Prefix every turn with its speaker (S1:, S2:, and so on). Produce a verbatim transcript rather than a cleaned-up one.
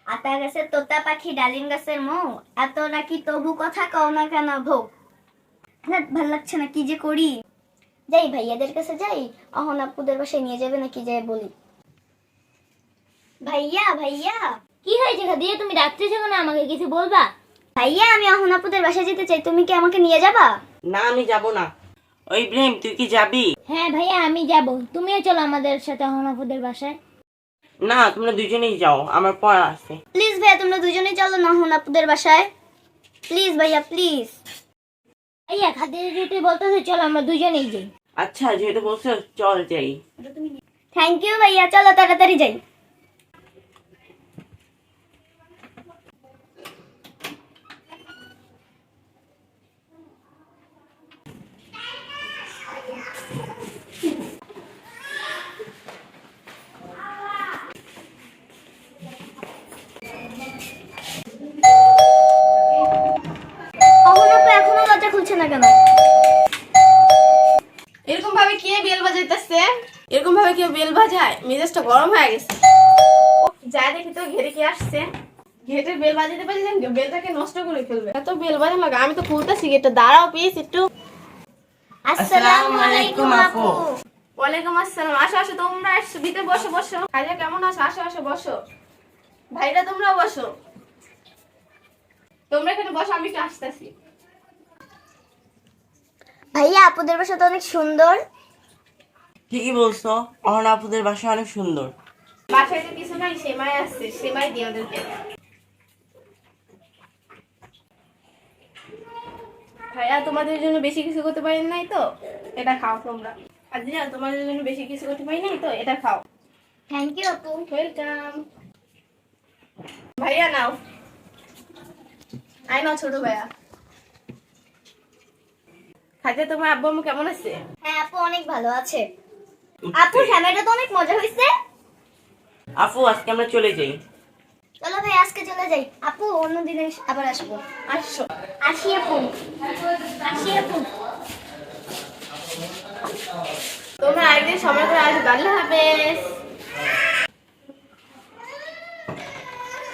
S1: আতা গাছের তোতা পাখি ডালিম গাছের মৌ, এত নাকি তবু কথা কও না কেন ভৌ। ভাল লাগছে না, কি যে করি। যাই ভাইয়াদের কাছে যাই, অহন আপুদের বাসায় নিয়ে যাবে নাকি যাই বলি। ভাইয়া ভাইয়া
S2: কি হয়েছে খাদিজা, তুমি ডাকতেছো কেন? আমাকে কিছু বলবা?
S1: ভাইয়া আমি অহন আপুদের বাসায় যেতে চাই, তুমি কি আমাকে নিয়ে যাবা?
S3: না আমি যাব না। ওই ইব্রাহিম তুই কি যাবি?
S2: হ্যাঁ ভাইয়া আমি যাব, তুমিও চলো আমাদের সাথে অহনাপুদের বাসায়।
S3: না তোমরা দুজনেই যাও, আমার পড়া আছে।
S1: প্লিজ ভাইয়া তোমরা দুজনেই চলো না অহন আপুদের বাসায়, প্লিজ ভাইয়া প্লিজ।
S2: ভাইয়া খাদিজা যেতে বলতেছে চলো আমরা দুজনেই যাই।
S3: আচ্ছা যেহেতু বলছো চল যাই।
S1: থ্যাংক ইউ ভাইয়া, চলো তাড়াতাড়ি যাই। অহন আপু এখনো দরজা খুলছে না কেন?
S4: এরকম ভাবে কে বেল বাজাইতেছে? এরকম ভাবে কেউ বেল বাজায়? মেজাজটা গরম হয়ে গেছে। যা দেখি তো ঘেরে কে আসছে। গেটের বেল বাজাতে পারছেন, বেলটাকে নষ্ট করে ফেলবে। এত বেল বাজানো লাগে, আমি তো খুলতেছি গেটটা। দাঁড়াও প্লিজ একটু।
S1: আসসালামু আলাইকুম আপু।
S4: ওয়ালাইকুম আসসালাম। আসো আসো, তোমরা আসো, ভিতরে বসো বসো। ভাইয়া কেমন আছো? আসো আসো বসো। ভাইরা তোমরাও বসো। তোমরা এখানে বসো, আমি একটু আসতেছি।
S1: ভাইয়া আপুদের বাসা তো অনেক সুন্দর।
S3: ঠিকই বলছো, অহন আপুদের বাসা অনেক সুন্দর।
S4: বাসায় তো কিছু নাই, সেমাই আসছে, সেমাই দিয়ে ওদেরকে। ভাইয়া তোমাদের জন্য বেশি কিছু করতে পারি নাই তো এটা খাও তোমরা। আর জিয়া তোমাদের জন্য বেশি কিছু করতে পারি নাই তো এটা খাও।
S1: থ্যাংক ইউ আপু।
S4: ওয়েলকাম। ভাইয়া নাও, আই নাও ছোট ভাইয়া। খাইতে তোমার আব্বু আম্মু কেমন আছে?
S1: হ্যাঁ আপু অনেক ভালো আছে। আপু ক্যামেরাটা তো অনেক মজা হয়েছে।
S3: আপু আজকে আমরা চলে যাই।
S1: চলো ভাই আজকে চলে যাই। আপু অন্যদিন আবার আসবো।
S4: আসছো?
S1: আসি আপু, আসি আপু।
S4: তোমরা আরেকদিন সময় করে আসবে। আল্লাহ হাফেজ।